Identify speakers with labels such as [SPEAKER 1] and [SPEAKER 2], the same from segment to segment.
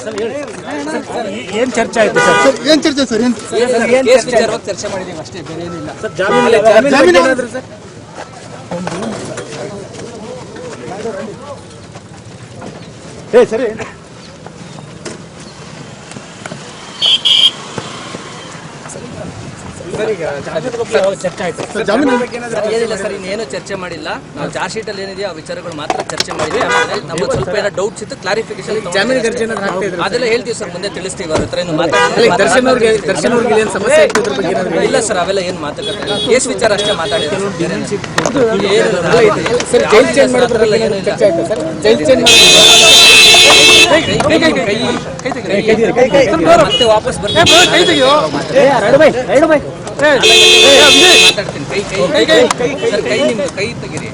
[SPEAKER 1] ಏನ್ ಚರ್ಚೆ ಆಯ್ತು ಸರ್?
[SPEAKER 2] ಏನ್ ಚರ್ಚೆ ಸರ್?
[SPEAKER 3] ಕೇಸ್ ವಿಚಾರವಾಗಿ ಚರ್ಚೆ ಮಾಡಿದೀವಿ ಅಷ್ಟೇ, ಬೇರೆ ಏನಿಲ್ಲ
[SPEAKER 1] ಸರ್. ಜಾಮೀನು ಏನಾದ್ರು ಸರ್? ಸರಿ. ಚರ್ಚೆ ಆಯ್ತು
[SPEAKER 3] ಏನಿಲ್ಲ ಸರ್, ಇನ್ನೇನು ಚರ್ಚೆ ಮಾಡಿಲ್ಲ. ನಾವು ಚಾರ್ಜ್ ಶೀಟ್ ಅಲ್ಲಿ ಏನಿದೆಯೋ ಆ ವಿಚಾರಗಳು ಮಾತ್ರ ಚರ್ಚೆ ಮಾಡಿದ್ವಿ. ಆಮೇಲೆ ನಮಗೆ ಸ್ವಲ್ಪ ಏನೋ ಡೌಟ್ಸ್ ಇತ್ತು, ಕ್ಲಾರಿಫಿಕೇಶನ್ ಅದೆಲ್ಲ ಹೇಳ್ತೀವಿ ಸರ್, ಮುಂದೆ ತಿಳಿಸ್ತೀವಿ. ಅವ್ರ ಹತ್ರ ಏನು ಇಲ್ಲ ಸರ್, ಅವೆಲ್ಲ ಏನು ಮಾತುಕತೆ, ಕೇಸ್ ವಿಚಾರ ಅಷ್ಟೇ ಮಾತಾಡಿದ್ರು. ಮತ್ತೆ ವಾಪಸ್ ಬರ್ತೀನಿ. ಸರ್, ಕೈ ನಿಮ್ದು ಕೈ ತೆಗೀರಿ.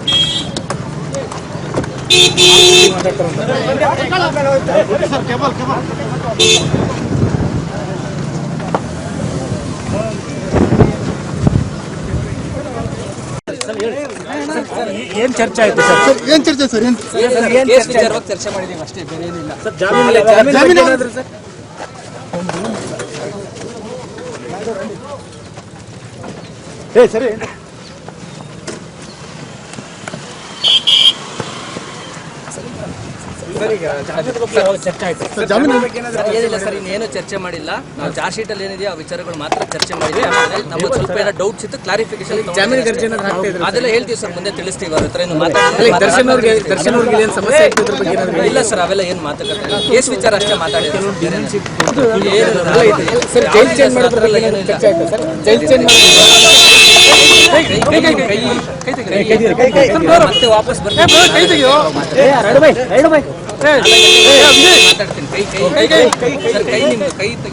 [SPEAKER 1] ಏನ್ ಚರ್ಚೆ ಆಯ್ತು ಸರ್?
[SPEAKER 2] ಏನ್ ಚರ್ಚೆ ಸರ್?
[SPEAKER 3] ಕೇಸ್ ವಿಚಾರವಾಗಿ ಚರ್ಚೆ ಮಾಡಿದೀವಿ ಅಷ್ಟೇ, ಬೇರೆ ಏನಿಲ್ಲ
[SPEAKER 1] ಸರ್. ಜಾಮೀನು ಏನಾದ್ರು ಸರ್? ಸರಿ. ಚರ್ಚೆ ಆಯ್ತು
[SPEAKER 3] ಏನಿಲ್ಲ ಸರ್, ಇನ್ನೇನು ಚರ್ಚೆ ಮಾಡಿಲ್ಲ. ನಾವು ಚಾರ್ಜ್ ಶೀಟ್ ಅಲ್ಲಿ ಏನಿದೆಯೋ ಆ ವಿಚಾರಗಳು ಮಾತ್ರ ಚರ್ಚೆ ಮಾಡಿದ್ವಿ. ಆಮೇಲೆ ನಮಗೆ ಸ್ವಲ್ಪ ಏನೋ ಡೌಟ್ಸ್ ಇತ್ತು, ಕ್ಲಾರಿಫಿಕೇಶನ್ ಅದೆಲ್ಲ ಹೇಳ್ತೀವಿ ಸರ್, ಮುಂದೆ ತಿಳಿಸ್ತೀವಿ. ಅವ್ರ ಹತ್ರ ಏನು ಇಲ್ಲ ಸರ್, ಅವೆಲ್ಲ ಏನು ಮಾತುಕತೆ, ಕೇಸ್ ವಿಚಾರ ಅಷ್ಟೇ ಮಾತಾಡಿದ್ರು. ಮತ್ತೆ ವಾಪಸ್ ಬರ್ತೀನಿ. ಮಾತಾಡ್ತೀನಿ. ಕೈ ನಿಮ್ದು ಕೈ